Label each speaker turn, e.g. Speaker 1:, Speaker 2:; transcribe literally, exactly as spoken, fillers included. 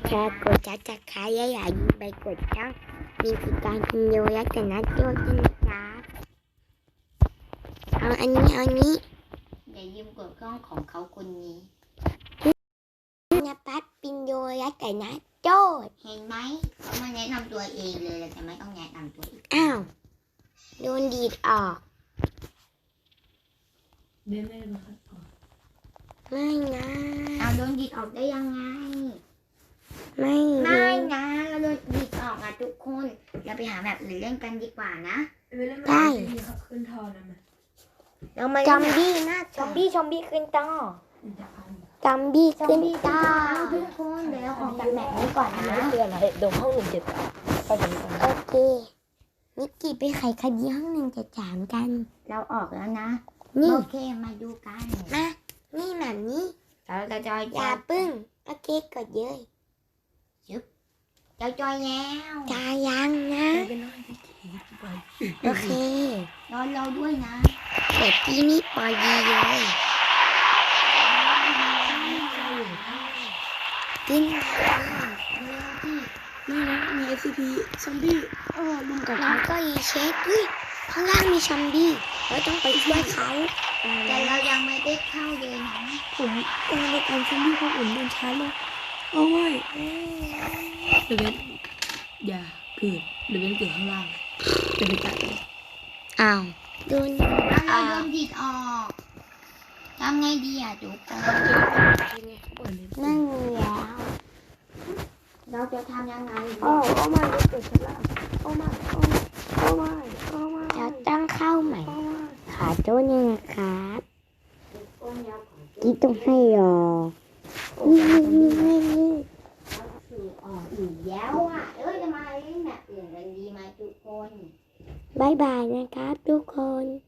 Speaker 1: แชร์กดจัดจัดขายอย่าอย่าลืมไปกดช่องมีกิจการพิมพ์โยและกันนัดโยด้วยนะครับเอาอันนี้เอาอันนี้อย่าลืมกดกล้องของเขาคนนี้นภัสปินโยและกันนัดโจ้เห็นไหมเขามาแนะนำตัวเองเลยเราจะไม่ต้องแนะนำตัวอีกอ้าวโดนดีดออก
Speaker 2: เดินไม่ได้บังคับออก
Speaker 1: ไม่นะ
Speaker 3: เอาโดนดีดออกได้ยังไง
Speaker 1: ไม่
Speaker 3: ไม่นะเราโดนดีดออกอ่ะทุกคนเราไปหาแบบอื่นเล่นกันดีกว่านะ
Speaker 1: ได้
Speaker 2: ขึ้นทอนะมัน
Speaker 3: เรามา
Speaker 1: จอมบี้นะ
Speaker 3: จอมบี้จอมบี้ขึ้นต่อ
Speaker 1: จอมบี้ขึ้นต่อ
Speaker 3: ทุกคนเดี๋ยวเราออกจากแบบนี้ก่อนนะ
Speaker 2: คืออะไรดมห้องหนึ่งเจ็ดสามไปถึงก่อน
Speaker 1: โอเคนิกกี้ไปไขคดีห้องหนึ่งเจ็ดสามกัน
Speaker 3: เราออกแล้วนะ
Speaker 1: นี่
Speaker 3: โอเคมาดูกัน
Speaker 1: นะนี่แบบนี้
Speaker 3: เราจะจอย
Speaker 1: อย่าปึ้งโอเคกดเยอะ
Speaker 3: ยึบเราจอยแล้ว
Speaker 1: จายังนะโอเคน
Speaker 3: อนเราด้วยนะ
Speaker 1: เด็กที่นี่ปอดีเลยกิน
Speaker 2: นี่นะมี เอส ซี พี ซอมบี้เออลุมกัด
Speaker 1: แล้วก็อีเช็คด้วยข้างล่างมีซอมบี้เราต้องไปช่วยเขา
Speaker 3: แต่เรายังไม่ได้เข้าเลยนะ
Speaker 2: ผมเออในการซอมบี้เขาอุ่นเดินช้าลงโอ้ยเดวิดอย่าเกิดเดวิดเกิดข้างล่างเดวิดตาย
Speaker 1: อ้าวโดน
Speaker 3: เราโดนดีดออกทำไงดีอ่ะทุกคน
Speaker 1: นั่งแล้ว
Speaker 3: เราจะทำยังไง
Speaker 2: โอ้โอ้ไม่เกิดข้างล่างโอ้ไม่โอ้ไม่โอ้ไม่โอ้ไม่
Speaker 1: เราตั้งเข้าใหม่ขาโจ้เนี่ยนะครับที่ต้องให้รอนี่นี่นี่นี่
Speaker 3: อ๋ออีกแล้วอ่ะเอ้ยจะมาเล่นแบบอื่นกันดีไหมทุกคน
Speaker 1: บายบายนะครับทุกคน